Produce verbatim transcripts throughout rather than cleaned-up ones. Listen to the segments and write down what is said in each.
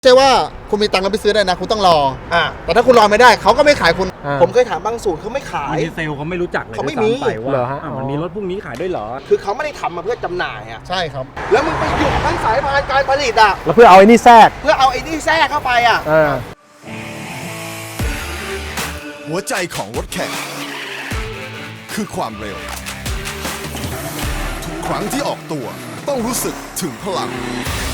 ใช่ว่าคุณมีตังค์แล้วไปซื้อได้นะคุณต้องรออ่าแต่ถ้าคุณรอไม่ได้เขาก็ไม่ขายคุณผมเคยถามบางศูนย์เขาไม่ขายบางทีเซลล์เขาไม่รู้จักเลยเขาไม่ด้วยซ้ำมีไปเหรอว่าฮะอ่ะมันมีรถพวกนี้ขายด้วยเหรอคือเขาไม่ได้ทำมาเพื่อจำหน่ายอ่ะใช่ครับแล้วมึงไปหยุดทั้งสายพานการผลิตอ่ะแล้วเพื่อเอาไอ้นี่แทรกเพื่อเอาไอ้นี่แทรกเข้าไปอ่ะเออหัวใจของรถแข่งคือความเร็ว ทุกครั้งที่ออกตัวต้องรู้สึกถึงพลัง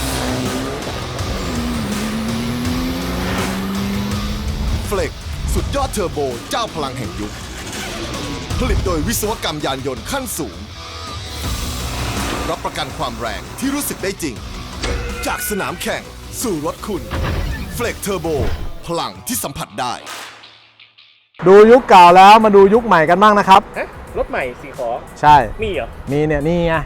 เฟล็กสุดยอดเทอร์โบเจ้าพลังแห่งยุค ผลิตโดยวิศวกรรมยานยนต์ขั้นสูง รับประกันความแรงที่รู้สึกได้จริง จากสนามแข่งสู่รถคุณ เฟล็กเทอร์โบพลังที่สัมผัสได้ดูยุคเก่าแล้วมาดูยุคใหม่กันบ้างนะครับฮะ รถใหม่สีขอใช่มีเหรอมีเนี่ยนี่ไง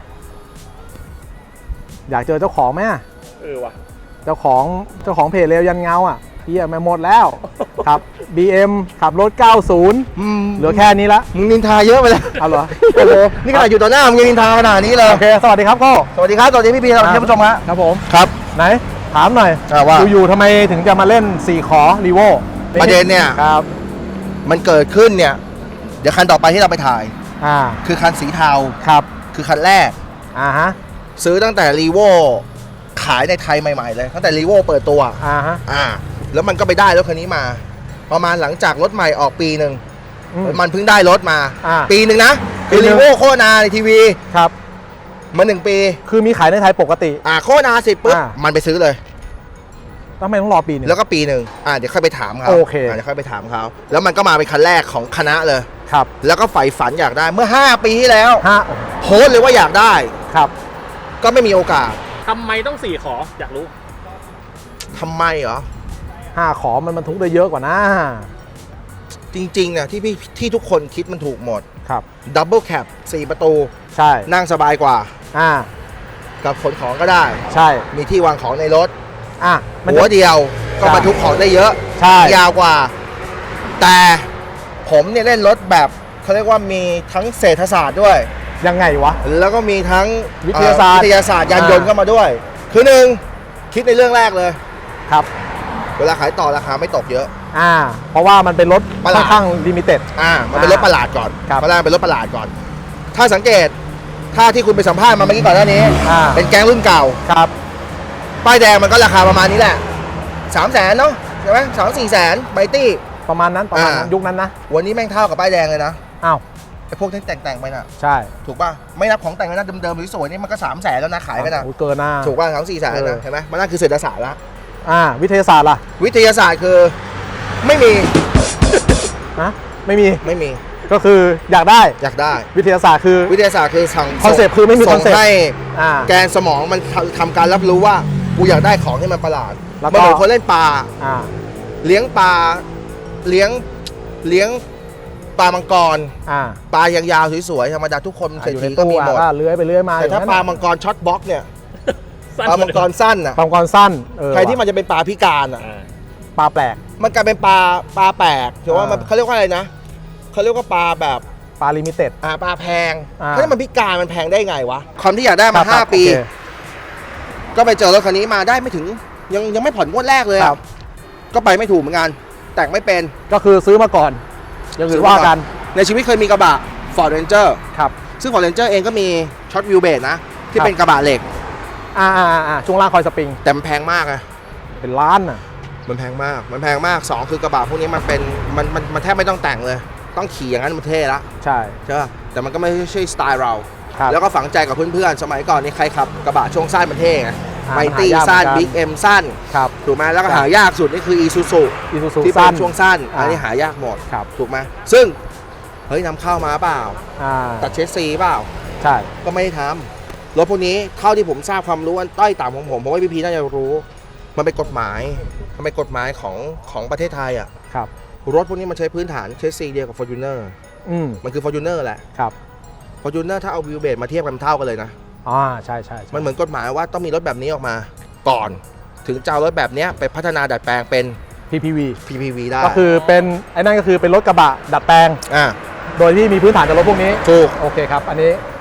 อยากเจอเจ้าของไหมอะเออว่ะเจ้าของเจ้าของเพจเร็วยันเงาอ่ะเฮียไม่หมดแล้ว ครับ บี เอ็ม ขับรถ เก้าสิบอืมเหลือแค่นี้ละมึงนินทาเยอะไปแล้วเอาเหรอโอ้โหนี่ขนาดอยู่ต่อหน้ามึงยังนินทาขนาดนี้เลยโอเค สวัสดีครับโก้สวัสดีครับ สวัสดีพี่พีสวัสดีท่านผู้ชมฮะครับผมครับไหน ถามหน่อยอ่าว่าอยู่ๆทำไมถึงจะมาเล่นสี่ขอรีโวประเด็นเนี่ยครับมันเกิดขึ้นเนี่ย เดี๋ยวคันต่อไปที่เราไปถ่ายอ่าคือคันสีเทาครับคือคันแรกอ่าฮะซื้อตั้งแต่รีโวขายในไทยใหม่ๆเลย ตั้งแต่รีโวเปิดตัวอ่าฮะอ่า แล้วมันก็ไปได้รถคันนี้มา ประมาณหลังจากรถใหม่ออกปีหนึ่งอืมมันเพิ่งได้รถมาอ่าปีหนึ่งนะ คือปีหนึ่รีงโวโฆษณาในทีวีครับมาหนึ่งปีคือมีขายในไทยปกติอ่าโฆษณาเสร็จปุ๊บอ่ามันไปซื้อเลยทำไมต้องรอปีหนึงแล้วก็ปีหนึ่งอ่าเดี๋ยวค่อยไปถามเขาโอเคเดี๋ยวค่อยไปถามเขาแล้วมันก็มาเป็นคันแรกของคณะเลยครับแล้วก็ใฝ่ฝันอยากได้เมื่อ ห้า ปีที่แล้วห้าโพสต์เลยว่าอยากได้ครับก็ไม่มีโอกาสทำไมต้องสี่ขอ อยากรู้ทำไมเหรอห้าขอมันบรรทุกได้เยอะกว่านะจริงๆเนี่ยที่พี่ที่ทุกคนคิดมันถูกหมดครับดับเบิลแคปสี่ประตูใช่นั่งสบายกว่าอ่ากับขนของก็ได้ใช่มีที่วางของในรถอ่ะมันหัวจะเดียวก็ใช่บรรทุกของได้เยอะใช่ยาวกว่า แต่ผมเนี่ยเล่นรถแบบเขาเรียกว่ามีทั้งเศรษฐศาสตร์ด้วยยังไงวะแล้วก็มีทั้งวิทยาศาสตร์เอ่อวิทยาศาสตร์ยานยนต์อ่าเข้ามาด้วย คือหนึ่งคิดในเรื่องแรกเลยครับเวลาขายต่อราคาไม่ตกเยอะอ่า เพราะว่ามันเป็นรถประหค่ลาอดนข้างลิมิเต็ดอ่ามันเป็นรถประหลาดก่อนครับเพราะแรกเป็นรถประหลาดก่อน ถ้าสังเกตถ้าที่คุณไปสัมภาษณ์มาเมื่อกี้ก่อนหน้านี้อ่าเป็นแก๊งรุ่นเก่าครับป้ายแดงมันก็ราคาประมาณนี้แหละสามแสนเนาะใช่ไหมสามสี่แสนไบตี้ประมาณนั้นประมาณนั้นอ่ายุยุคนั้นนะวันนี้แม่งเท่ากับป้ายแดงเลยนะอ้าวไอ้พวกที่แต่งๆไปน่ะใช่ถูกป่ะไม่นับของแต่งเลยนะเดิมๆสวยๆนี่มันก็สามแสนแล้วนะขายกันนะโอ้เกินหน้าถูกป่ะสามสี่แสนเอนะอเห็นไหมมันนั่นคือเศรษฐศาสตร์ละอ่า วิทยาศาสตร์ล่ะวิทยาศาสตร์คือไม่มีนะไม่มีไม่มีก็คืออยากได้อยากได้วิทยาศาสตร์คือวิทยาศาสตร์คือสั่งคอนเซปต์คือไม่มีส่คอง นเซปต์ให้อ่าแกนสมองมันทำทำการรับรู้ว่ากูอยากได้ของที่มันประหลาดแล้วก็มันเหมือนคนเล่นปลาอ่าเลี้ยงปลาเลี้ยงเลี้ยงปลามังกรอ่าปลายาวๆสวยๆธรรมดาทุกคนเศรษอยู่ในฐีก็ตู้มีหมดอ่ะก็เลื้อยไปเลื้อยมาแต่ถ้าอย่งนั้นปลาน่ะมังกรช็อตบล็อกเนี่ยสั้นปลามังกรสั้นอ่ะปลามังกรสั้นเออใครที่มันจะเป็นปลาพิการอ่ะอ่าปลาแปลกมันกลายเป็นปลาปลาแปลกถือว่ามันอ่าเขาเรียกว่าอะไรนะเขาเรียกว่าปลาแบบปลาลิมิเต็ดอ่าปลาแพงอ่าถ้ามันพิการมันแพงได้ไงวะความที่อยากได้ครัมาบห้าครับปีโอเคก็ไปเจอรถคันนี้มาได้ไม่ถึงยังยังไม่ผ่อนงวดแรกเลยคอะรับก็ไปไม่ถูกเหมือนกัน แต่งไม่เป็นก็คือซื้อมาก่อนอย่างอื่นว่ากันในชีวิตเคยมีกระบะ Ford Ranger ครับซึ่ง Ford Ranger เองก็มีช็อตวิวเบสนะ ที่ครับเป็นกระบะเหล็กอ่าอ่าอ่าช่วงล่างคอยสปริงแต่มันแพงมากอะเป็นล้านอ่ะมันแพงมากมันแพงมากสองคือกระบะพวกนี้มันเป็นมันมันมันแทบไม่ต้องแต่งเลย ต้องขี่อย่างนั้นมันเท่ละใช่ใช่ป่ะแต่มันก็ไม่ใช่สไตล์เราครับแล้วก็ฝังใจกับเพื่อนๆ สมัยก่อนนี่ใครขับกระบะช่วงสั้นมันเท่ไงอ่าไมตี้หายากสั้นเหมือนกันบิ๊กเอ็มสั้นครับถูกไหมแล้วก็ครับหายากสุดนี่คืออีซูซูอีซูซูที่เป็สั้นนช่วงสั้นอ่าอันนี้หายากหมดครับถูกไหมซึ่งเฮ้ยนำเข้ามาเปล่าอ่าตัดเชสซีเปล่าใช่ก็ไม่ได้ทำรถพวกนี้เท่าที่ผมทราบความรู้อันต้อยต่ำของผมผมว่าพี่พีน่าจะรู้ มันเป็นกฎหมายมันเป็นกฎหมายของของประเทศไทยอ่ะครับรถพวกนี้มันใช้พื้นฐานเชสซีเดียวกับ Fortuner อืมมันคือ Fortuner แหละครับ Fortuner ถ้าเอาวิวเบสมาเทียบกันเท่ากันเลยนะอ่าใช่ใช่ใช่มันเหมือนกฎหมายว่าต้องมีรถแบบนี้ออกมาก่อน ถึงจะเอารถแบบนี้ไปพัฒนาดัดแปลงเป็นพี พี วีพี พี วี ได้ก็คือเป็นไอ้นั่นก็คือเป็นรถกระบะดัดแปลงอ่าโดยที่มีพื้นฐานจากรถพวกนี้ถูกโอเคครับ อันนี้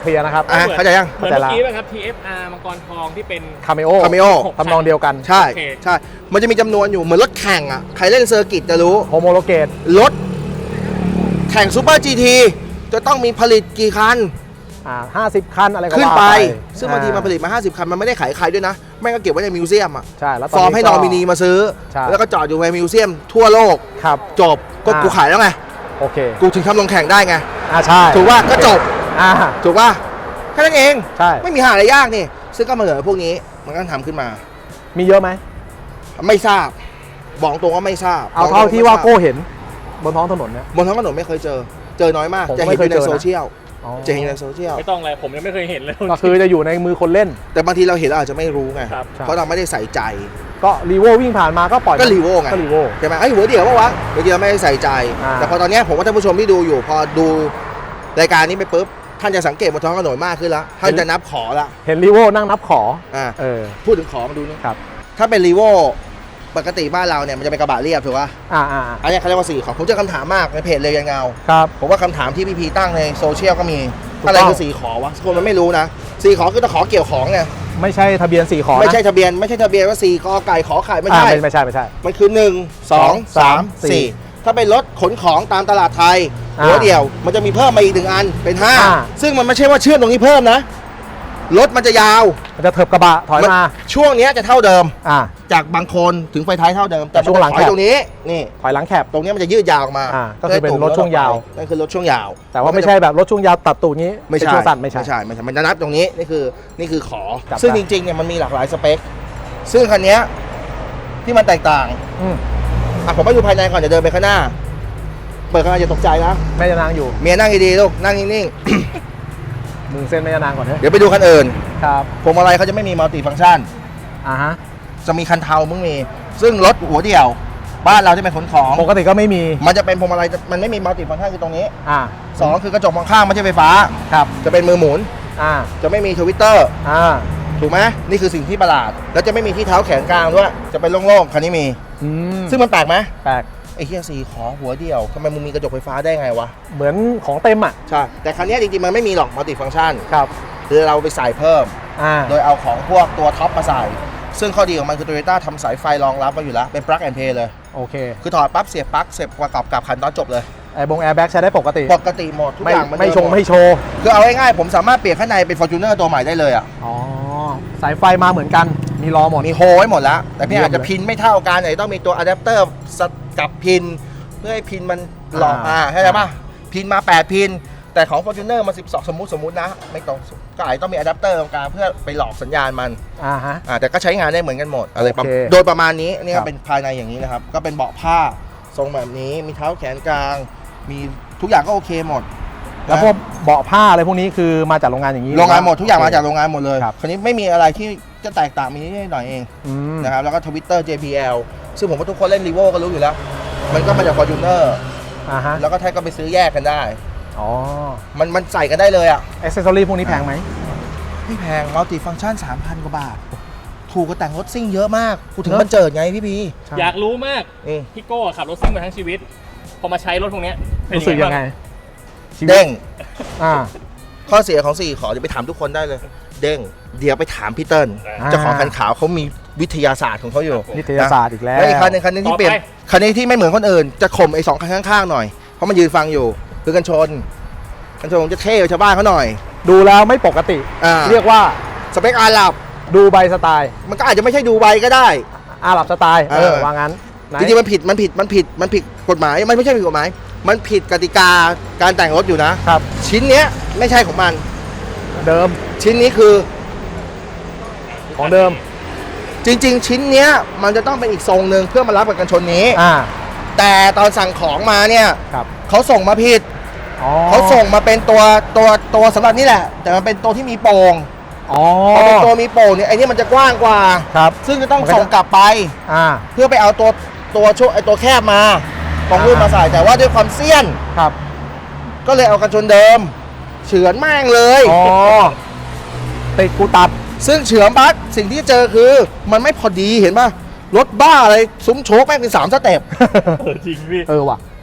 เคลียร์นะครับอ่ะเข้าใจยังเหมือนเมื่อกี้ป่ะครับ ที เอฟ อาร์ มังกรทองที่เป็นคาเมโอ Cameo ทำนองเดียวกันใช่โอเคใช่ มันจะมีจำนวนอยู่เหมือนรถแข่งอ่ะ ใครเล่นเซอร์กิตจะรู้โฮโมโลเกตรถแข่งซูเปอร์จีทีจะต้องมีผลิตกี่คันอ่าห้าสิบคันอะไรก็ขึ้นว่าไปไปซึ่งบางทีมันผลิตมา ห้าสิบ คัน มันไม่ได้ขายใครด้วยนะ แม่งก็เก็บไว้ในมิวเซียมอ่ะใช่แล้วฟอร์มให้นอมินีมาซื้อใช่แล้วก็จอดอยู่ในมิวเซียมทั่วโลกครับจบ ก็อ่ากูขายแล้วไงโอเคกูถึงทำลงแข่งได้ไงอ่าใช่ถูกว่าก็จบอ่าถูกป่ะแค่นั้นเองใช่ไม่มีหาอะไรยากนี่ ซึ่งก็มาเหลือพวกนี้มันก็ทำขึ้นมามีเยอะไหมไม่ทราบ บอกตรงว่าไม่ทราบเอาเท่าที่ว่าโก้เห็นบนท้องถนนเนี่ยบนท้องถนนไม่เคยเจอ เจอน้อยมากผมจะไม่เห็นอยู่ในเคยเจอนะโซเชียลอ๋อจะเห็นในโซเชียลไม่ต้องอะไรผมยังไม่เคยเห็นเลยก็คือจะอยู่ในมือคนเล่นแต่บางทีเราเห็นเราอาจจะไม่รู้ไงครับเพราะเราไม่ได้ใส่ใจก็รีโววิ่งผ่านมาก็ปล่อยก็รีโวไงก็รีโวใช่ไหมไอ้ยหัวเดี่ยวปะวะหัวเดี่ยวไม่ได้ใส่ใจอ่าแต่พอตอนเนี้ยผมว่าท่านผู้ชมที่ดูอยู่ พอดูรายการนี้ไปปุ๊บท่านจะสังเกตบนท้องถนนมากขึ้นแล้วท่านจะนับขอละเห็นรีโวนั่งนับขออ่าเออพูดถึงขอมาดูนี่ครับถ้าเป็นรีโวปกติบ้านเราเนี่ยมันจะเป็นกระบะเรียบถูกป่ะอ่าอ่าอ่าอันเนี้ยเขาเรียกว่าสี่ขอผมเจอคำถามมากในเพจเลยยังเงาครับผมว่าคำถามที่พี่พีตั้งในโซเชียลก็มีถูกต้องอะไรคือสี่ขอวะคนมันไม่รู้นะสี่ขอคือตะขอเกี่ยวของไงไม่ใช่ทะเบียนสี่ขอนะไม่ใช่ทะเบียนไม่ใช่ทะเบียนว่าสี่กอไก่ขอไข่ไม่อ่าใช่ไม่ไม่ใช่ไม่ใช่มันคือหนึ่งสองสามสี่ถ้าเป็นรถขนของตามตลาดไทยอ่าหัวเดียวมันจะมีเพิ่มมาอีกหนึ่งอันเป็นห้าอ่าซึ่งมันไม่ใช่ว่าเชื่อมตรงนี้เพิ่มนะรถมันจะยาวมันจะเถิบกระบะถอยมาช่วงเนี้ยจะเท่าเดิมอ่าจากบางโคนถึงไฟท้ายเท่าเดิมแต่แต่ช่วงหลังมันจะถอยแคบตรงนี้นี่ถอยหลังแคบตรงเนี้ยมันจะยืดยาวออกมาอ่าก็คือเป็นรถช่วงยาวนั่นคือรถช่วงยาวแต่ว่าไม่ใช่แบบรถช่วงยาวตัดตูดงี้ไม่เป็นใช่ช่วงสั้นไม่ใช่ไม่ใช่ไม่ใช่มันจะนับตรงนี้นี่คือนี่คือขอจับซึ่งได้จริงๆเนี่ยมันมีหลากหลายสเปค ซึ่งคันเนี้ยที่มันแตกต่างอืมอ่ะผมไปดูภายในก่อนจะเดินไปข้างหน้า เปิดข้างหน้าอย่าตกใจนะแม่ยานางอยู่เมียนั่งดีๆลูกนั่งนิ่งมึงเส้นแม่ยานางก่อนเถๆอะเดี๋ยวไปดูคันอื่นครับพวงมาลัยเขาจะไม่มีมัลติฟังก์ชันอ่าฮะจะมีคันเทามึงมี ซึ่งรถหัวเดี่ยว บ้านเราที่เป็นขนของปกติก็ไม่มีมันจะเป็นพวงมาลัยมันไม่มีมัลติฟังก์ชันคือตรงนี้อ่าสองคือกระจกมองข้างไม่ใช่ไฟฟ้าครับจะเป็นมือหมุนอ่าจะไม่มีทวิตเตอร์อ่าถูกไหมนี่คือสิ่งที่ประหลาด แล้วจะไม่มีที่เท้าแขนกลางด้วย จะเป็นโล่งๆ คันนี้มีอืมซึ่งมันแปลกไหมแปลกไอ้เฮียสีขอหัวเดียวทำไมมึงมีกระจกไฟฟ้าได้ไงวะเหมือนของเต็มอ่ะใช่ แต่คันนี้จริงๆ มันไม่มีหรอกมัลติฟังก์ชันครับคือเราไปใส่เพิ่มอ่าโดยเอาของพวกตัวท็อปมาใส่ ซึ่งข้อดีของมันคือ Toyota ทำสายไฟรองรับมาอยู่แล้ว เป็น plug and play เลยโอเคคือถอดปั๊บเสียบปลั๊กเสียบประกอบกับคันตอนจบเลยแอร์บงแอร์แบ็กใช้ได้ปกติปกติหมดทุกไม่อย่างมันไม่เดิชงหดไม่โชว์คือเอาง่ายๆผมสามารถเปลี่ยนข้างในเป็น Fortuner ตัวใหม่ได้เลยอ่ะอ๋อ สายไฟมาเหมือนกัน มีล้อหมดมีโฮไว้หมดแล้ว แต่พี่เยี่ยมอาจจะพินไม่เท่ากันไหนต้องมีตัวอะแดปเตอร์กับพิน เพื่อให้พินมันหลอกอ่าอ่าเข้าใจป่ะพินมาแปดพิน แต่ของ Fortuner มันสิบสองสมมุติสมมุตินะ ไม่ตรงก็อาจจะต้องมีอะแดปเตอร์ตรงกลางเพื่อไปหลอกสัญญาณมันอ่าฮะอ่าแต่ก็ใช้งานได้เหมือนกันหมดอะไรประมาณโอเคโดยประมาณนี้นี่ครัก็บเป็นภายในอย่างนี้นะครับ ก็เป็นเบาะผ้าทรงแบบนี้มีเท้าแขนกลาง มีทุกอย่างก็โอเคหมดแล้วพวกเบาะผ้าอะไรพวกนี้คือมาจากโรงงานอย่างนี้โรงงานหมดทุกอย่างมาจากโรงงานหมดเลยครับคราวนี้ไม่มีอะไรที่จะแตกต่างมีนิดหน่อยเองอืมนะครับแล้วก็ทวิตเตอร์ เจ พี แอล ซึ่งผมว่าทุกคนเล่นรีโวก็รู้อยู่แล้ว มันก็มาจาก Fortuner อ่าฮะแล้วก็แท้ก็ไปซื้อแยกกันได้อ๋อมันมันใส่กันได้เลยอ่ะอ c เซสซอรี่พวกนี้แพงไหมไม่แพงมัลติฟังก์ชัน สามพัน กว่าบาท ถูกกว่าแต่งรถซิ่งเยอะมากกูถึงเนอะมันเจิดไงพี่พีใช่อยากรู้มากอืมพี่โก้ขับรถซิ่งมาทั้งชีวิต พอมาใช้รถพวกเนี้ยเป็นรู้สึกยังไงบ้าชีวิตเด้งอ่าข้อเสียของสี่ขอเดี๋ยวไปถามทุกคนได้เลย เด้ง เดี๋ยวไปถามพี่เติ้ลอ่าเจ้าของคันขาวเขามีวิทยาศาสตร์ของเขาอยู่นิตยศาสตร์อีกแล้วและอีกคันหนึงคันหนึงที่เปลี่ยนคันนี้ที่ไม่เหมือนคนอื่น จะข่มไอ้สองคันข้างๆหน่อย เพราะมันยืนฟังอยู่ คือกันชน กันชนจะเท่กว่าชาวบ้านเขาหน่อยดูแล้วไม่ปกติอ่าเรียกว่าสเปคอาหรับดูใบสไตล์มันก็อาจจะไม่ใช่ดูใบก็ได้อาหรับสไตล์ เอเอออว่างั้นไหนจริงๆมันผิดมันผิดมันผิดมันผิดกฎหมายมันไม่ใช่ผิดกฎหมาย มันผิดกติกาการแต่งรถอยู่นะครับชิ้นเนี้ยไม่ใช่ของมันเดิมชิ้นนี้คือของเดิมจริง ๆ ชิ้นเนี้ยมันจะต้องเป็นอีกทรงหนึ่งเพื่อมารับกับกันชนนี้อ่าแต่ตอนสั่งของมาเนี่ยครับเขาส่งมาผิดอ๋อเขาส่งมาเป็นตัวตัวตัวสำหรับนี่แหละ แต่มันเป็นตัวที่มีโป่งอ๋อพอเป็นตัวมีโป่งเนี่ยไอ้นี่มันจะกว้างกว่าครับซึ่งจะต้องมันก็จะส่งกลับไปอ่าเพื่อไปเอาตัวตัวช่วไอ้ตัวแคบมาตรงรุ่นมาใส่แต่ว่าด้วยความเสี้ยนครับก็เลยเอากันชนเดิม เฉือนแม่งเลยอ๋อ ติดกูตัดซึ่งเฉือนปั๊บสิ่งที่เจอคือมันไม่พอดีเห็นป่ะรถบ้าอะไรซุ้มโชคแม่งเป็นสามสเต็ปเออจริงพี่เออว่ะเ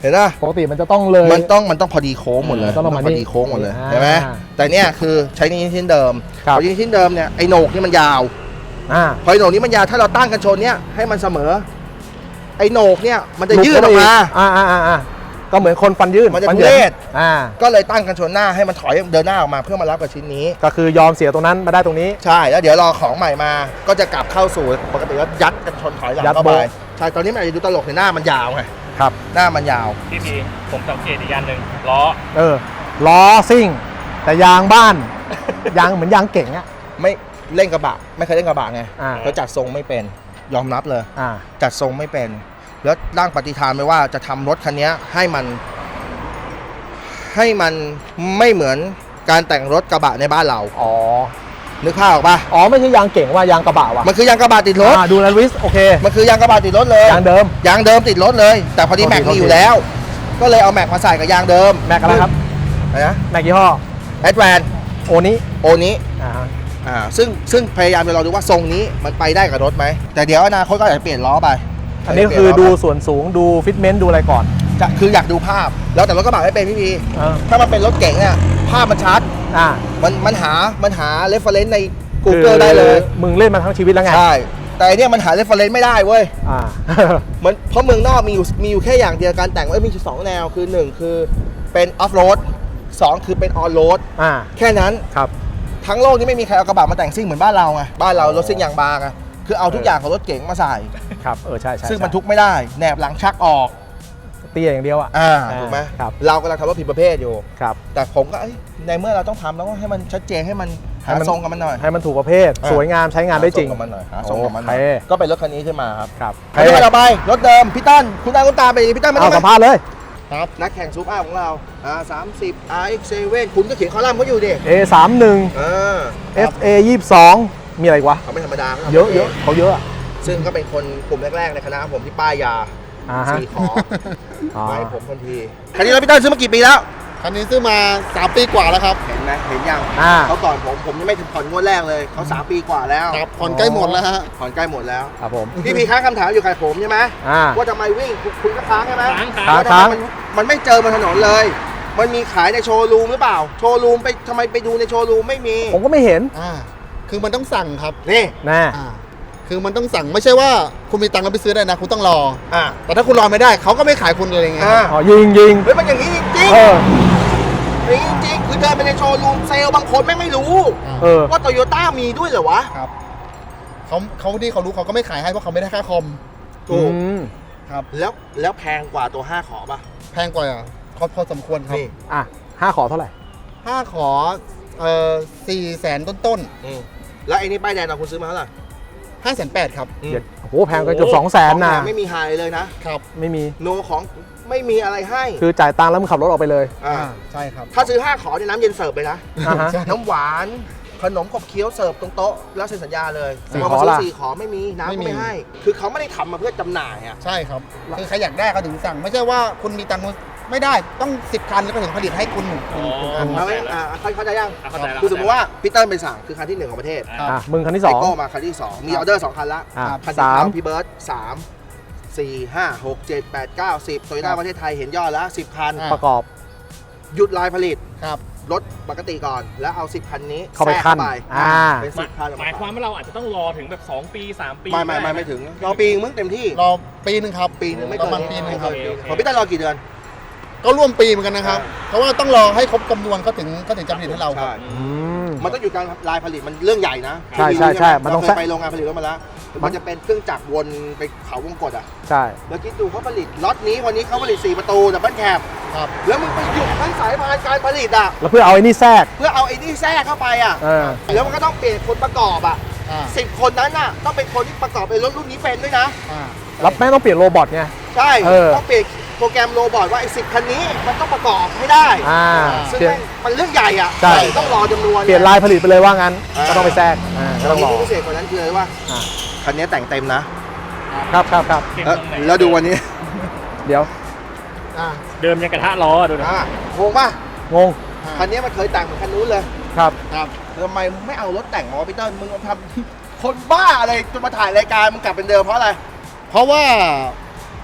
เห็นป่ะปกติมันจะต้องเลยมันต้องมันต้องพอดีโค้งหมดเลยต้องประมาณพอนี้ดีโค้งหมดเลยอ่าใช่ไหมแต่เนี่ยคือใช้นิ้วชิ้นเดิมครับพอนิ้วชิ้นเดิมเนี่ยไอ้โหนกนี่มันยาวอ่าพอไอ้โหนกนี้มันยาวถ้าเราตั้งกันชนเนี่ยให้มันเสมอไอ้โหนกเนี่ยมันจะยืดออกมาอ่าอ่าอ่าอ่าก็เหมือนคนฟันยืดมันจะฟัทุหยิเรศอ่าก็เลยตั้งกันชนหน้าให้มันถอยเดินหน้าออกมาเพื่อมารับกับชิ้นนี้ก็คือยอมเสียตรงนั้นมาได้ตรงนี้ใช่แล้วเดี๋ยวรอของใหม่มาก็จะกลับเข้าสู่ปกติก็ยัดกันชนถอยหลังยัดเข้าไปโบ๊ะใช่ตอนนี้มันอาจจะดูตลกในหน้ามันยาวไงครับหน้ามันยาวพี่พีผมสังเกตอีกอย่างหนึ่งล้อเออล้อซิ่ง แต่ยางบ้าน ยางเหมือนยางเก่งอ่ะไม่เล่นกระบะไม่เคยเล่นกระบะไงอ่าแล้วจัดทรงไม่เป็นยอมรับเลยอ่าจัดทรงไม่เป็น แล้วร่างปฏิฐานไว้ว่าจะทำรถคันนี้ให้มัน ให้มันไม่เหมือนการแต่งรถกระบะในบ้านเราอ๋อนึกภาพออกปะอ๋อไม่ใช่ยางเก่งว่ายางกระบะว่ะมันคือยางกระบะติดรถอ่าดูแลวิสโอเคมันคือยางกระบะติดรถเลยยางเดิมยางเดิมติดรถเลย แต่พอดีโอเคแม็กโอมีเคอยู่แล้ว ก็เลยเอาแม็กมาใส่กับยางเดิมแม็กอะไรครับอะไรนะแม็กยี่ห้อแอดแวนโอนี้โอนี้อ่าฮะอ่าซึ่งซึ่งพยายามจะลองดูว่าทรงนี้มันไปได้กับรถไหมแต่เดี๋ยวอนาคตก็อาจจะเปลี่ยนล้อไปอันนี้ก็คือดูส่วนสูงดูฟิตเมนต์ดูอะไรก่อนจะคืออยากดูภาพ แล้วแต่รถกระบะไม่เป็นพี่พีเออถ้ามันเป็นรถเก๋งเนี่ยภาพมันชัดอ่ามันมันหามันหาเรฟเฟรนซ์ในคือ Google ได้เลยมึงเล่นมาทั้งชีวิตแล้วไงใช่แต่อันเนี่ยมันหาเรฟเฟรนซ์ไม่ได้เว้ยอ่ามันเพราะเมืองนอกมีอยู่มีอยู่แค่อย่างเดียวการแต่งเอ้ยมีอยู่สองแนวคือหนึ่งคือเป็นออฟโรดสองคือเป็นออนโรดอ่าแค่นั้นครับทั้งโลกนี้ไม่มีใครเอากระบะมาแต่งซิ่งเหมือนบ้านเราไงบ้านเรารถซิ่งยางบางไงคือเอาทุกอย่างของรถเก๋งมาใส่ครับเออใช่ใช่ซึ่งใช่บรรทุกไม่ได้แหนบหลังชักออกเตี้ยอย่างเดียวอ่ะอ่าอ่าถูกไหมครับเรากำลังทำรถผิดประเภทอยู่ครับแต่ผมก็เอ้ยในเมื่อเราต้องทำแล้วก็ให้มันชัดเจนให้มันหาให้มันทรงกับมันหน่อยให้มันถูกประเภทอ่าสวยงามใช้งานได้จริงหทกับมันหน่อยหาทรงกับมันหน่อยโอเคก็เป็นรถคันนี้ขึ้นมาครับครับคันนี้ต่อไปรถเดิมพี่ตั้นคุณตาคุณตาไปพี่ตั้นมาเอาได้สัมไหมภาษณ์เลยครับนักแข่งซูเปอร์ของเราอ่าสามสิบ อาร์ เอ็กซ์ เซเว่น คุณก็เขียนคอลัมน์เขาอยู่ดิเอ สามสิบเออเอฟ เอ ยี่สิบสอง มีอะไรอีกวะเขาไม่ธรรมดาขาเยอะเยอะเขาเยอะอะซึ่งก็เป็นคนกลุ่มแรกๆในคณะผมที่ป้ายยาอ่าฮะสี่ขออ๋อมาให้ผมทันทีคันนี้เราพี่ตั้นซื้อมากี่ปีแล้วคันนี้ซื้อมาสามปีกว่าแล้วครับเห็นไหมเห็นยังอ่าเขาก่อนผมผมยังไม่ถึงผ่อนงวดแรกเลยเขาสามปีกว่าแล้วครับผ่อนใกล้หมดแล้วฮะผ่อนใกล้หมดแล้วครับผมพี่พีค้างคำถามอยู่กับผมใช่ไหมอ่าว่าทำไมวิ่งคุณคุณก็ค้างใช่ไหมค้างค้าค้างว่าทำไมมันมันไม่เจอบนถนนเลย มันมีขายในโชว์รูมหรือเปล่า โชว์รูมไปทำไมไปดูในโชว์รูมไม่มีผมก็ไม่เห็นอ่า คือมันต้องสั่งครับนี่แน่อ่า คือมันต้องสั่งไม่ใช่ว่าคุณมีตังค์แล้วไปซื้อได้นะ คุณต้องรออ่ะแต่ถ้าคุณรอไม่ได้เขาก็ไม่ขายคุณเลยไงอ่ะอ๋อยิงยิงเฮ้ยมันอย่างนี้จริงเออๆอย่างนี้จริงๆคือเดินไปในโชว์รูมเซลล์บางคนแม่งไม่รู้เออว่าโตโยต้ามีด้วยเหรอวะครับเขาเขาที่เขารู้เขาก็ไม่ขายให้เพราะเขาไม่ได้ค่าคอมถูกอืมครับแล้วแล้วแพงกว่าตัวห้าขอป่ะแพงกว่าพอพอสมควรครับนี่อ่ะห้าขอเท่าไหร่ห้าขอเอ่อสี่แสนต้นอืมแล้วไอ้นี่ป้ายแดงเราคุณซื้อมาเท่าไหร่ๆห้าแสนแปดครับอืมเดี๋ยวโอ้โหแพงกันเกือบสองแสนของนะแถมไม่มีไฮเลยนะครับไม่มีโนของไม่มีอะไรให้คือจ่ายตังค์แล้วมึงขับรถออกไปเลยอ่าอ่า ใช่ครับถ้าซื้อห้าขอเนี่ยน้ำเย็นเสิร์ฟเลยนะอ่าฮะใช่น้ำหวานขนมขบเคี้ยวเสิร์ฟตรงโต๊ะแล้วเซ็นสัญญาเลยสี่พอขอมาซื้อล่ะสี่ขอไม่มีน้ำไม่ก็มีไม่ให้ คือเขาไม่ได้ทำมาเพื่อจำหน่ายอ่ะใช่ครับ คือใครอยากได้ก็ถึงสั่ง ไม่ใช่ว่าคุณมีตังค์ไม่ได้ต้องสิบคันแล้วก็ถึงผลิตให้คุณหนึ่งอ๋อคันเอาไว้อ่าเข้าเข้าใจยังอ่ะเข้าใจแล้วคือสมมติว่าพี่เติ้ลไปสั่งคือคันที่หนึ่งของประเทศครับอ่ะมึงคันที่สไอองโก้มาคันที่สองมีออเดอร์สองคันละอ่ะคันสาสาม มพี่เบิร์ตสามสี่ห้าหกเจ็ดแปดเก้าสิบโตโยต้าประเทศไทยเห็นยอดแล้วสิบคันอ่ะประกอบหยุดลายผลิตครับรถปกติก่อนแล้วเอาสิบคันนี้เข้าไปแทรกขั้นไปอ่าเป็นสิบคันออกหมายความว่าเราอาจจะต้องรอถึงแบบสองปีสามปีไม่ไม่ไม่ไม่ถึงรอปีนึงมึงเต็มที่รอปีหนึ่งครับปีนึงไม่ปเกิระมาณปีหนึ่งครับโอเคโอเคของพี่เติ้ลรอกี่เดือนก็ร่วมปีเหมือนกันนะครับ เพราะว่าต้องรอให้ครบจำนวนก็ถึงก็ถึงจะผลิตให้เราครับใช่อืมมันต้องอยู่การลายผลิตมันเรื่องใหญ่นะใช่ใช่ใช่มันต้องเราเคยไปโรงงานผลิตรถมาแล้วมัมัน นจะเป็นเครื่องจักรวนไปเขาวงกตอ่ะใช่แล้วคิดดูเขาผลิตล็อตนี้วันนี้เขาผลิตสี่ประตูดับเบิลแคปครับแล้วมึงไปหยุดทั้งสายพานการผลิตอ่ะแล้วเพื่อเอาไอ้นี่แทรกเพื่อเอาไอ้นี่แทรกเข้าไปอ่ะเออแล้วมันก็ต้องเปลี่ยนคนประกอบอ่ะอ่าสิบคนนั้นน่ะต้องเป็นคนที่ประกอบไอ้รถรุ่นนี้เป็นด้วยนะอ่ารับแม่งต้องเปลี่ยนโรบอทไงใช่เออต้องเปลี่ยนโปรแกรมโรบอทว่าไอ้สิบคันนี้มันต้องประกอบให้ได้อ่าซึ่งเปลี่ยนแม่งมันเรื่องใหญ่อ่ะใช่ต้องรอจำนวนเปลี่ยนลายผลิตไปเลยว่างั้นอ่าก็ต้องไปแทรกอ่าก็ต้องรอที่พิเศษกว่านั้นคืออะไรว่าอ่าคันนี้แต่งเต็มนะครับครับครับเก็บแล้วตรงไหนแล้วดูวันนี้เดี๋ยวอ่าเดิมยังกระทะล้อดูนะอ่ะงงป่ะงงคันนี้มันเคยแต่งเหมือนคันนู้นเลยครับครับทำไมมึงไม่เอารถแต่งมาพี่เติ้ลมึงมาทำ คนบ้าอะไรจะมาถ่ายรายการมึงกลับเป็นเดิมเพราะอะไรเพราะว่า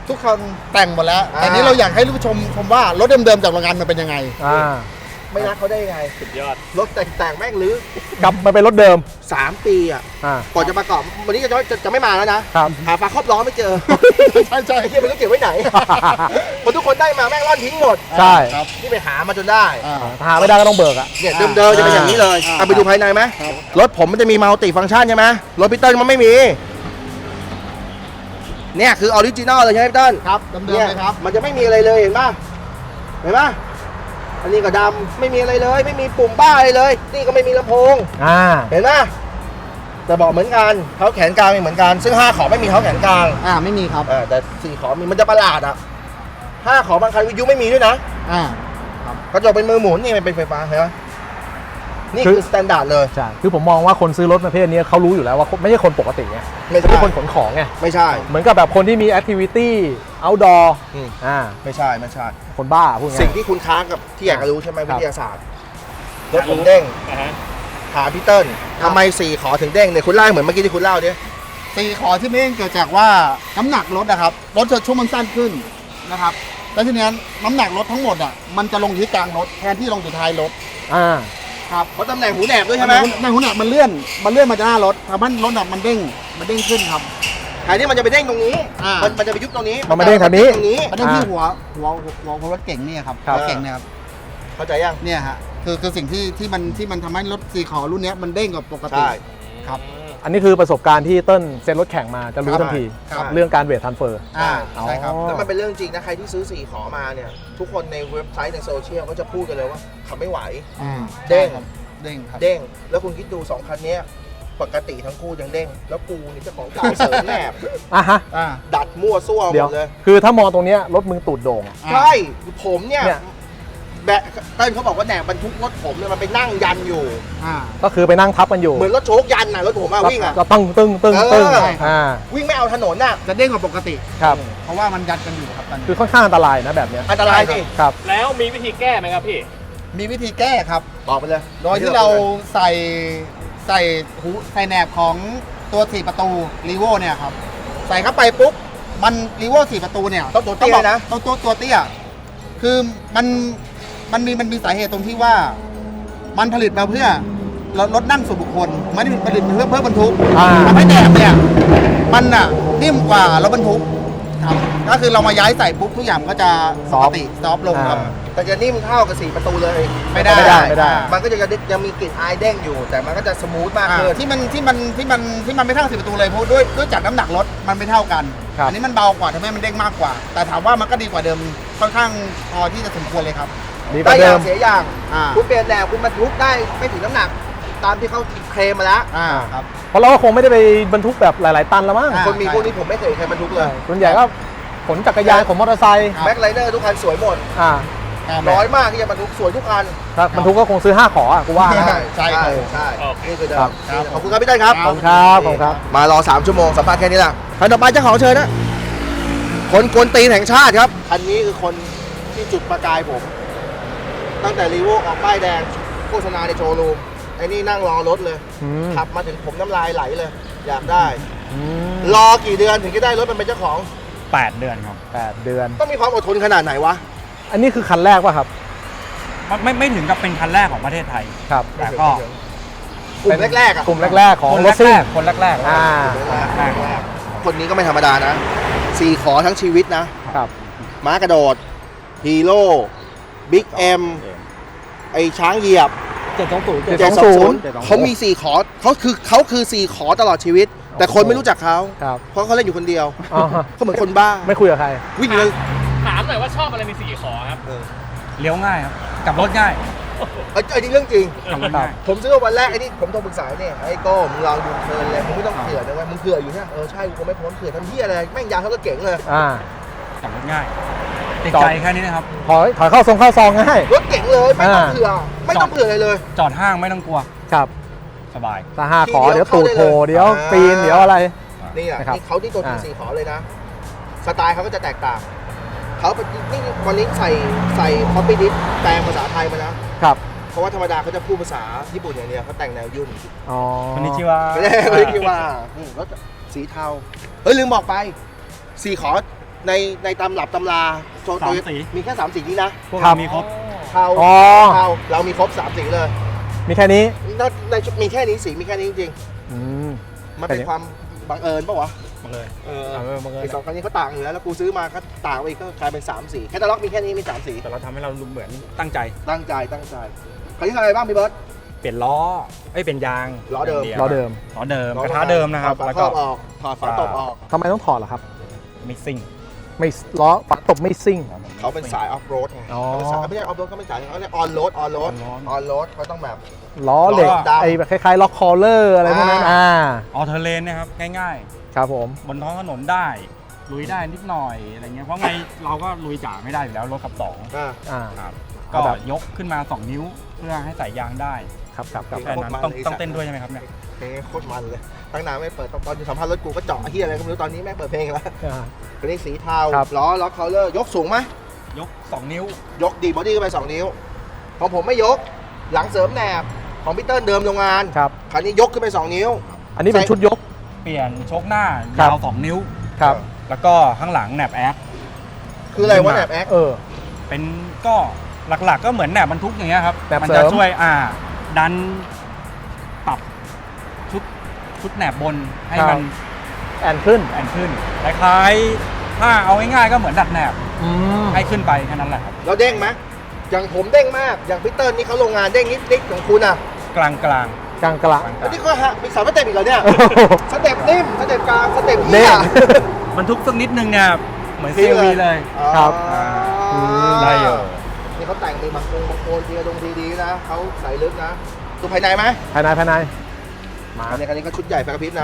ทุกคนแต่งหมดแล้วอ่าแต่นี้เราอยากให้ผู้ชมชมว่ารถเดิมๆจากโรงงานมันเป็นยังไงอ่าไม่รักเขาได้ยังไงสุดยอดรถแต่งแต่งแม่งหรือกลับมาเป็นรถเดิมสามปีอ่ะอ่าก่อนจะประกอบวันนี้จะจะจะไม่มาแล้วนะครับ หาฝาครอบล้อไม่เจอใช่ใช่ไอ้เหี้ยไม่รู้เก็บไว้ไหนพอทุกคนได้มาแม่งร่อนทิ้งหมดใช่ครับนี่ไปหามาจนได้อ่าถ้าหาไม่ได้ก็ต้องเบิกอ่ะเนี่ยเดิมๆจะเป็นอย่างนี้เลยอ่าเอาไปดูภายในไหมครับรถผมมันจะมีมัลติฟังก์ชันใช่ไหมรถพี่เติ้ลมันไม่มีเนี่ยคือออริจินอลเลยใช่ไหมพี่เติ้ลครับเดิมๆเนี่ยเลยครับมันจะไม่มีอะไรเลยเห็นป่ะเห็นป่ะอันนี้ก็ดำไม่มีอะไรเลย ไม่มีปุ่มบ้าอะไรเลย นี่ก็ไม่มีลำโพงอ่าเห็นป่ะแต่บอกเหมือนกันเท้าแขนกลางมีเหมือนกัน ซึ่งห้าขอไม่มีเท้าแขนกลางอ่าไม่มีครับเออแต่สี่ขอมีมันจะประหลาดอ่ะห้าขอบางคันวิทยุไม่มีด้วยนะอ่ากระจกเป็นมือหมุนนี่มันเป็นไฟฟ้าเห็นไหมนี่คือสแตนดาร์ดเลยใช่ คือผมมองว่าคนซื้อรถประเภทนี้เขารู้อยู่แล้วว่าไม่ใช่คนปกติไงไม่ใช่ไม่ใช่คนขนของไงไม่ใช่เหมือนกับแบบคนที่มีแอคทิวิตี้ outdoor อืมอ่าไม่ใช่ไม่ใช่คนบ้าพูดง่ายสิ่งที่คุณค้างกับที่อยากจะรู้ใช่ไหมครัวิบทยาศาสตร์รถผมเด้งอ่าฮะถามพี่เติ้ลทำไมสี่ขอถึงเด้งเนี่ยคุณเล่าให้เหมือนเมื่อกี้ที่คุณเล่าดิสี่ขอที่ไม่เกิดจากว่าน้ำหนักรถนะครับรถจะช่วงมันสั้นขึ้นนะครับแล้วทีนี้น้ำหนักรถทั้งหมดอ่ะมันจะลงอยู่ที่กลางรถแทนที่ลงอยู่ท้ายรถอ่าครับเพราะตำแหน่งหูแหนบด้วยใช่ไหมในหัวหน้ามันเลื่อนมันเลื่อนมาจากหน้ารถทำให้รถอ่ะมันเด้งมันเด้งขึ้นครับแทนที่มันจะไปเด้งตรงนี้อ่ามัมันมันจะไปยุบตรงนี้มันมาเด้งทางนี้ตรงนี้มันเด้งที่อ่าหัวหัวหัวหัวรถเก่งเนี่ยครับครับรถเก่งเนี่ยครับเข้าใจยังเนี่ยฮะคือคือสิ่งที่ที่มันที่มันทำให้รถสี่ขอรุ่นเนี้ยมันเด้งกว่าปกติใช่ครับอันนี้คือประสบการณ์ที่เติ้ลเซ็นรถแข่งมาจะรู้ทันทีครับเรื่องการเวททันเฟอร์อ่าใช่ครับอ๋อแล้วมันเป็นเรื่องจริงนะใครที่ซื้อสี่ขอมาเนี่ยทุกคนในเว็บไซต์ในโซเชียลก็จะพูดกันเลยว่าขับไม่ไหวอืมเด้งใช่ครับเด้งครับเด้งแล้วคุณคิดดูสองคันเนี้ยปกติทั้งคู่ยังเด้งแล้วกูนี่เจ้าของเก่าเสริมแนบอ่ะฮะอ่าดัดมั่วซั่วหเดี๋มยวดเลยคือถ้ามองตรงเนี้ยรถมึงตูดโด่งอะใช่ผมเนี่ยเนี่ยแบะเต้นเขาบอกว่าแหนบบรรทุกรถผมเนี่ยมันไปนั่งยันอยู่อ่าก็คือไปนั่งทับกันอยู่เหมือนรถโชกยันน่ะรถผมอะวิ่งอะก็ตึ้งตึ้งตึ้งตึ้งเอออ่าวิ่งไม่เอาถนนน่ะจะเด้งกว่าปกติครับเพราะว่ามันยัดกันอยู่ครับตอนนี้คือค่อนข้างอันตรายนะแบบเนี้ยอันตรายสิครับแล้วมีวิธีแก้ไหมครับพี่มีวิธีแก้ครับบอกไปเลยโดยที่เราใส่ใส่หูใส่แหนบของตัวสี่ประตูรีโวเนี่ยครับใส่เข้าไปปุ๊บมันรีโวสี่ประตูเนี่ยต้องตัวเตี้ยนะต้องตัวตัวเตี้ยคือมันมันมีมันมีสาเหตุตรงที่ว่ามันผลิตมาเพื่อรถรถนั่งส่วนบุคคลไม่ได้ผลิตมาเพื่อเพื่อบรรทุกอ่าทำให้แหนบเนี่ยมันอ่ะนิ่มกว่ารถบรรทุกครับก็คือเรามาย้ายใส่ปุ๊บทุกอย่างก็จะปกติซอฟต์ลงครับอ่าแต่จะนิ่มเท่ากับสี่ประตูเลยไม่ได้ไม่ได้ไม่ได้มันก็จะยังมีกลิ่นอายเด้งอยู่ แต่มันก็จะสมูทมากอ่าขึ้นที่มันที่มันที่มันที่มันไม่เท่าสิบประตูเลยเพราะด้วยด้วยจากน้ำหนักรถมันไม่เท่ากันครับอันี้มันเบากว่าทำให้มันเด้งมากกว่า แต่ถามว่ามันก็ดีกว่าเดิมค่อนข้างพอที่จะสมควรเลยครับดีกได้ว่าอเดิย่างมเสียอย่างอ่าคุณเปลี่ยนแนวคุณบรรทุกได้ไม่ถึงน้ำหนัก ตามที่เขาเคลมมาแล้วอ่าครับเพราะเราก็คงไม่ได้ไปบรรทุกแบบหลาย ๆ ตันแล้วมั้งอ่าคนมีพวกนี้ผมไม่เคยเห็นใครบรรทุกเลยส่วนใหญ่ก็ขนจักรยานขนมอเตอร์ไซค์ครับแบ็คไลเนอร์ทุกคันสวยหมดอ่าน้อยมากที่จะบรรทุกสวยทุกคันถ้าบรรทุกก็คงซื้อห้าขออ่ะกูว่านะใช่ครับใช่โอเคนี่คือเดิครัมบขอบคุณครับพี่เต้นครับขอบคุณครับขอบคุณครับมารอสามชั่วโมงสัมภาษณ์แค่นี้แหละคันต่อไปเจ้าของเชิญนะ คนกวนตีนแห่งชาติครับ คันนี้คือคนที่จุดประกายผม ตั้งแต่รีโวออกป้ายแดงโฆษณาในโชว์รูมไอ้นี่นั่งรอรถเลยอืมขับมาถึงผมน้ำลายไหลเลย อยากได้อืมรอกี่เดือนถึงจะได้รถมันเป็นเจ้าของแปดเดือนครับแปดเดือนต้องมีความอดทนขนาดไหนวะอันนี้คือคันแรกป่ะครับไม่ไม่ไม่ถึงกับเป็นคันแรกของประเทศไทยครับแต่ก็กลุ่มแรกๆอ่ะกลุ่มแรก ๆ ของคนรถซิ่แรง กๆคนแรกๆอ่าแรกๆคนนี้ก็ไม่ธรรมดานะสี่ขอทั้งชีวิตนะครับม้ากระโดด ฮีโร่บิ๊กเอ็มไอช้างเหยียบเจ็ดสองศูนย์เจ็ดเจ็ดสสออง งศูศูนนย์ย์เขามีสี่ขอเขาคือเขาคือสี่ขอตลอดชีวิต แต่คนไม่รู้จักเขาครับเพราะเขาเล่นอยู่คนเดียวอ๋อเขาเหมือนคนบ้าไม่คุยกับใครวิ่งเลยถามหน่อยว่าชอบอะไรในสี่ขอครับเลี้ยวง่ายครับกลับรถง่ายเอ้ยไอ้นี่เรื่องจริงกลับรถง่ายผมซื้อวันแรกไอ้นี่ผมโทรปรึกษาเนี่ยไอ้โก้มึงลองดูเทิร์นเลยมึงไม่ต้องเผื่อนะเว่ามึงเผื่ออยู่เนี่ยเออใช่กูคงไม่พ้นเผื่อทำเหี้ยอะไรแม่งยาวเท่ากับเก๋งเลยอ่ากลับรถง่ายติดจอดใจแค่นี้นะครับถอยถอยเข้าทรงเข้าซองง่ายรถเก๋งเลยไม่ต้องอ่าเผื่อไม่ต้องเผื่ออะไรเลยจอดห้างไม่ต้องกลัวครับสบายตาห้าขอทีเดีเดี๋ยยว วตูดโผล่เข้าได้เลยเดี๋ยวอ่าปีนเดี๋ยวอะไรนี่อ่ะนะครับนี่เขาที่ตัวทีอ่าสี่ขอเลยนะ สไตล์เขาก็จะแตกต่างเขาเป็นนี่วันนี้ใส่ใส่คอปปี้ดิสแปลงภาษาไทยมานะครับ เพราะว่าธรรมดาเขาจะพูดภาษาญี่ปุ่นอย่างเดียวเขาแต่งแนวยุ่นอ๋อคนนี้ชื่อว่าไม่ได้ไม่ได้คิดว่านี่รถสีเทาเฮ้ยลืมบอกไปสี่ขอในในตำรับตำราโซโตสามสีมีแค่สามสีนี้นะพวกครัเราบมีครบเทาอ๋อเทาเรามีครบสามสีเลยมีแค่นี้นอกในมีแค่นี้สีมีแค่นี้จริงอืมๆมันเป็นแต่เนี่ยความบังเอิญปะวะมาเลยเออเออบังเอิญไอสองคันนี้เขาต่างอยู่แล้วแล้วกูซื้อมาก็ต่างไปอีกก็กลายเป็นสามสีแคตตาล็อกมีแค่นี้มีสามสีแต่เราทำให้เราดูเหมือนตั้งใจตั้งใจตั้งใจคันนี้ทำอะไรบ้างพี่เบิร์ตเปลี่ยนล้อเอ้ยเปลี่ยนยางล้อเดิมย่างล้อเดิมล้อเดิมกระทะเดิมนะครับถอดฝาแล้วครก็อบออกถอดฝาตบออกทำไมต้องถอดล่ะครับมิซิ่งไม่ล้อฝาตบไม่ซิ่งเขาเป็นสายออฟโรดไงอ๋อเขาเป็นสายไม่ใช่ออฟโรดเขาเป็นสายเขาเรียกออนโรดออนโรด on-road ออนโรดเขาต้องแบบล้อเหล็กล้อดำไอ้แบบคล้ายๆล็อกคอลเลอร์อะไรพวกนั้นอ่าอ่าออเทอร์เลนนะครับง่ายครับผมๆ บนท้องถนนได้ ลุยได้นิดหน่อยอะไรเงี้ยเพราะไงเราก็ลุยจ๋าไม่ได้อยู่แล้วรถขับสองอ่าอ่าครับเอาก็แบบยกขึ้นมาสองนิ้วเพื่อให้ใส่ยางได้ครับครับครับแค่นั้นต้องต้องเต้นด้วยใช่ไหมครับเนี่ยเพลงโคตรมันเลยตั้งนานไม่เปิดตอนอยู่สัมภาษณ์รถกูก็เจาะเฮียอะไรก็ไม่รู้ตอนนี้แม่งเปิดเพลงแล้วอ่าคันนี้สีเทาครับล้อล็อกเคาเลอร์ยกสูงไหมยกสองนิ้วยกดีบอดี้ขึ้นไปสองนิ้วของผมไม่ยกหลังเสริมแหนบของพี่เติ้ลเดิมโรงงานครับคันนี้ยกขึ้นไปสองนิ้วอันนี้เป็นใส่ชุดยกเปลี่ยนโชคหน้าครับยาวสองนิ้วครับแล้วก็ข้างหลังแหนบแอคคืออะไรวะแหนบแอคเออเป็นก็หลักๆก็เหมือนแหนบบรรทุกอย่างเงี้ยครับแหนบมัเสริจะมช่วยอ่าดันปรับชุดชุดแหนบบนให้มันแอนขึ้นแอนขึ้นคล้ายๆถ้าเอาง่ายๆก็เหมือนดัดแหนบอืมให้ขึ้นไปแค่นั้นแหละครับเราเด้งไหมอย่างผมเด้งมากอย่างพี่เติ้ลนี่เขาโรงงานเด้งนิดนิดของคุณอ่ะกลางๆกลางกลางกลางอันนี้ก็ฮะมีสามสเต็ปอีกเหรอเนี่ยโอ้โหสเต็ปนิ่มสเต็ปกลางสเต็ปเด้เหี้ยงบรรทุกสักนิดนึงเนี่ยเหมือนซีวีเลยครับอ่าอืมได้อยู่นี่เขาแต่งมีบางโครงบางโคนทีละดงทีดีนะเขาใส่ลึกนะดูภายในไหมภายในภายใน มาอันนี้คันนี้ก็ชุดใหญ่ไฟกระพริบนะ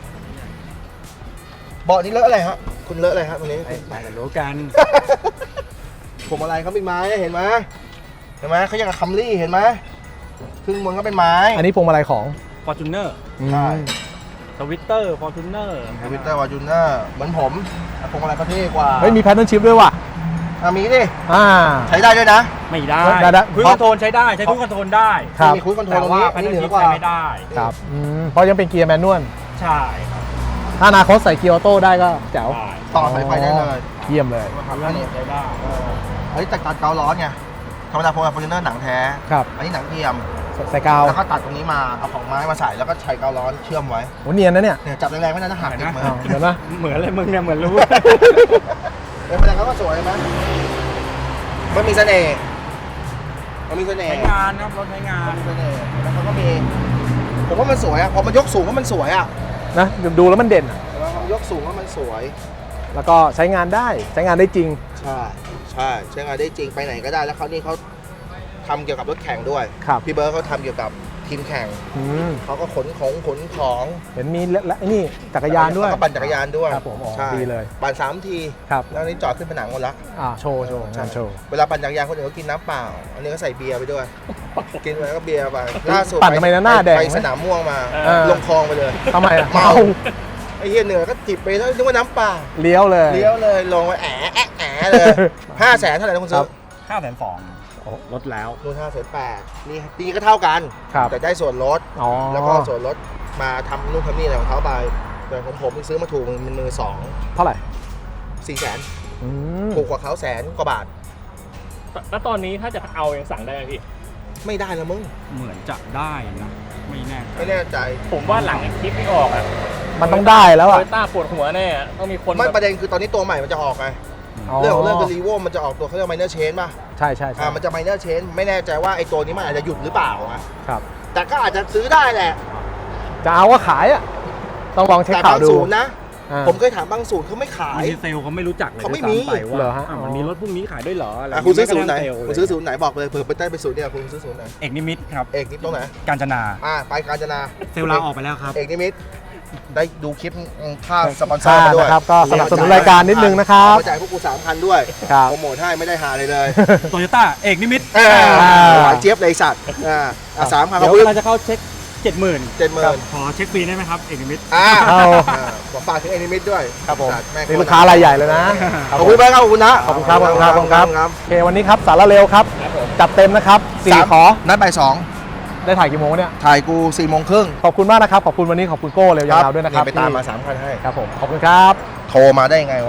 เบาะนี้เลอะอะไรฮะคุณเลอะอะไรฮะตรงนี้ไปกันรู้กันผมอะไรเขาเป็นไม้เห็นไหมเห็นไหมเขายังกับคัมรี่เห็นไหมครึ่งบนก็เป็นไม้อันนี้พวงมาลัยของฟอร์จูเนอร์ใช่สวิตเตอร์ฟอร์จูเนอร์ทวิตเตอร์วาจูเนอร์เหมือนผมแต่ผมอะไรก็เท่กว่าเฮ้ย มีแพทเทิร์นชิพด้วยว่ะอ่ะมีดิอ่าใช้ได้ด้วยนะไม่ได้ได้ได้คุยคอนโทรลใช้ได้ใช้คุยคอนโทรลได้ครับมีคุยคอนโทรลแต่ตรงว่านี้แพอันนเทินี้ร์เหนือกว่านชิปใช้ไม่ได้ครับอืมเพราะยังเป็นเกียร์แมนนวลใช่ครับถ้าอนาคตใส่เกียร์ออโต้ได้ก็แจ๋วได้ต่อสายไฟได้เลยเยี่ยมเลยทำเพื่อัอนนนี้ใช้ได้อันนี้ตัดตัดเกาล้อไงธรรมดาผมกับฟอร์จูเนอร์หนังแท้ครับอันนี้หนังเทียมใส่กาวแล้วก็ตัดตรงนี้มาเอาของไม้มาใส่แล้วก็ใช้เกาล้อเชื่อมไว้โหเนียนนะเนี่ยเนี่ยจับแรงๆไม่ได้นะหักติดมืออ้าวเดี๋ยวนะเหมือนเลยมึงเนี่ยเหมือนรู้เออแสดงเขาก็สวยไหมมันมีเสน่ห์มันมีเสน่ห์ใช้งานครับรถใช้งานมันมีเสน่ห์แล้วเขาก็มีผมว่ามันสวยอะพอมันยกสูงก็มันสวยอะนะดูแล้วมันเด่นอะแล้วมันยกสูงก็มันสวยแล้วก็ใช้งานได้ ใช้งานได้จริงใช่ใช่ใช้งานได้จริงไปไหนก็ได้แล้วเขานี่เขาทำเกี่ยวกับรถแข่งด้วยครับพี่เบิร์ดเขาทำเกี่ยวกับทีมแข่งอืมเขาก็ขนของขนของเห็นมีและและไอ้นี่จักรยานด้วยแล้วก็ปั่นจักรยานด้วยครับผมอ๋อใช่ดีเลยปั่นสามทีครับแล้วอันนี้จอดขึ้นผนังหมดละอ่าโชว์โชว์งานโชว์เวลาปั่นจักรยานคนอื่นก็กินน้ำเปล่า อันนี้ก็ใส่เบียร์ไปด้วย กินไปก็เบียร์ไปล่าสุดปั่นทำไมนะหน้าแดงไปไหมสนามม่วงมาเออลงคลองไปเลยทำไมอะเมาไอ้เหี้ยเหนือก็จิบไปแล้วนึกว่าน้ำเปล่าเลี้ยวเลยเลี้ยวเลยลงไปแอะแอะแอะเลยห้าแสนเท่าไหร่นะคุณซื้อห้าแสนสองลดแล้วนู่นห้าแสนแปดนี่นี่ก็เท่ากันครับแต่ได้ส่วนลดอ๋อแล้วก็ส่วนลดมาทำนู่นทำนี่อะไรของเขาไปแต่ของผมนี่ซื้อมาถูกมันมือสองเท่าไหร่สี่แสนอืมถูกกว่าเขาแสนกว่าบาทแล้วตอนนี้ถ้าจะเอายังสั่งได้ไหมพี่ไม่ได้นะมึงเหมือนจะได้นะไม่แน่ใจไม่แน่ใจผมว่าหลังคลิปที่ออกอะมันต้องได้แล้วโตอ่ะโยต้าปวดหัวแน่อะต้องมีคนไม่แบบประเด็นคือตอนนี้ตัวใหม่มันจะออกไง เรื่องของเรื่องคือรีโวมันจะออกตัวเขาเรียกไมเนอร์เชนป่ะใช่ใช่ใช่อ่ามันจะไมเนอร์เชนไม่แน่ใจว่าไอ้ตัวนี้มันอาจจะหยุดหรือเปล่าอะครับแต่ก็อาจจะซื้อได้แหละจะเอาก็ขายอ่ะ ต้องลองเช็คแต่ข่าบาว งดูศูนย์นะอ่าผมเคยถามบางศูนย์เขาไม่ขายบางทีเซลล์เขาไม่รู้จักเลยเขาไม่ด้วยมีซ้ำไปว่าเหรอฮะอ่ะมันมีรถพวกนี้ขายด้วยเหรออะไรอ่ะคุณซื้อศูนย์ไหนม่กระทั่งเซลล์คุณซื้อศูนย์ไหนบอกเลยเผื่อไปได้ไปศูนย์เนี่ยคุณซื้อศูนย์ไหนเอกนิมิตครับเอกนิดตรงไหนกาญจนาอ่าไปกาญจนาเซลล์ลาออกไปแล้วครับเอกนิมิตได้ดูคลิปค่าสปอนเซอค่าร์มาด้วยนะครับ ก็สนับสนุนรายการนิดนึงนะครับเอาจ่ายพวกกูสามพันด้วยครับโปรโมทให้ไม่ได้หาเลยเลยโตโยต้าเอกนิมิตเออหวานเจี๊ยบเลยสัตว์อ่าอ่ะสามพันเดี๋ยวเขาเวพึ่งลาจะเข้าเช็คเจ็ดหมื่นเจ็ดหมื่นขอเช็คฟรีได้ไหมครับเอกนิมิตอ่าเอาอ่าขอฝากถึงเอกนิมิตด้วยครับผมสัตว์แม่งนี่ลูกค้ารายใหญ่เลยนะขอบคุณมากครับขอบคุณนะขอบคุณครับขอบคุณครับขอบคุณครับครับโอเควันนี้ครับสาระเร็วครับ จัดเต็มนะครับสี่สามขอนัดบ่ายสองได้ถ่ายกี่โมงเนี่ยถ่ายกูสี่โมงครึ่งขอบคุณมากนะครับ ขอบคุณวันนี้ขอบคุณโก้เร็วยาวๆด้วยนะครับไปตามมาสามพันให้ครับผม ขอบคุณครับโทรมาได้ยังไงวะ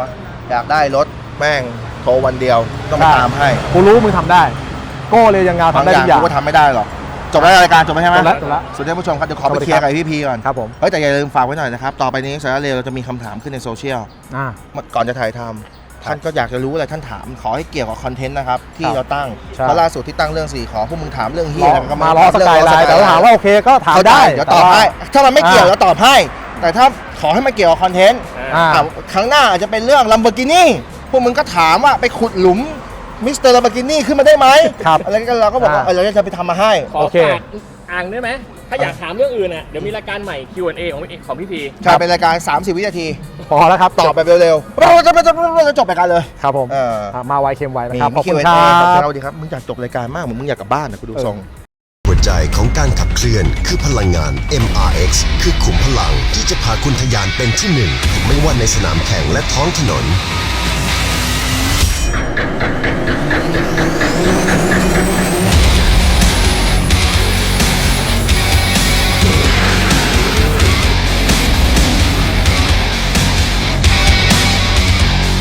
อยากได้รถแม่งโทรวันเดียวต้องมาตามให้กูรู้มึงทำได้ โก้เร็วยันเงาบางทำได้อทุย่างกอย่างกูก็ทำไม่ได้หรอกจบแล้วรายการจบแล้วใช่ไหมจบแล้วจบแล้วสุดท้ายผู้ชมครับเดี๋ยวขอสวัไปสดีเคลียร์ครักับบ พี่พีก่อนครับผมเฮ้ยแต่อย่าลืมฝากไว้หน่อยนะครับต่อไปนี้สาระเร็วเราจะมีคำถามขึ้นในโซเชียลอ่าก่อนจะถ่ายทำท่านก็อยากจะรู้อะไรท่านถามขอให้เกี่ยวกับคอนเทนต์นะครับที่ครับเราตั้งใช่เพราะล่าสุดที่ตั้งเรื่องสี่ขอพวกมึงถามเรื่องเฮียอะไรก็มาล้อสกายไลน์แต่ว่าถามว่าโอเคก็ถามเข้าใจได้เดี๋ยวตอบให้ถ้ามันไม่เกี่ยวอ่าเราตอบให้ แต่ถ้าขอให้มันเกี่ยวกับคอนเทนต์อ่าอ่ะครั้งหน้าอาจจะเป็นเรื่อง Lamborghini พวกมึงก็ถามว่าไปขุดหลุมมิสเตอร์ Lamborghini ขึ้นมาได้ไหมครับอะไรกันเราก็บอกว่าอ่าเออเราจะไปทำมาให้ขอโอเคฝากอ่างได้ไหม ถ้าอยากถามเรื่องอื่นอ่ะ เดี๋ยวมีรายการใหม่ คิว แอนด์ เอ ของของพี่พีใช่เป็นรายการ สามสิบ วินาทีพอแล้วครับตอบแบบเร็วๆเราจะจะจบรายการเลยครับผมเอออ่ะมาไวเค็มไวนะมีครับขอบคุณ Q and ค A รัขอบคุณบเราดีครับมึงอยากจบรายการมากเหมือนมึงอยากกลับบ้านนะกูดูทรงหัวใจของการขับเคลื่อนคือพลังงาน เอ็ม อาร์ เอ็กซ์ คือขุมพลังที่จะพาคุณทะยานเป็นที่หนึ่ง ไม่ว่าในสนามแข่งและท้องถนน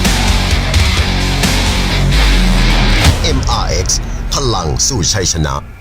เอ็ม อาร์ เอ็กซ์ พลังสู่ชัยชนะ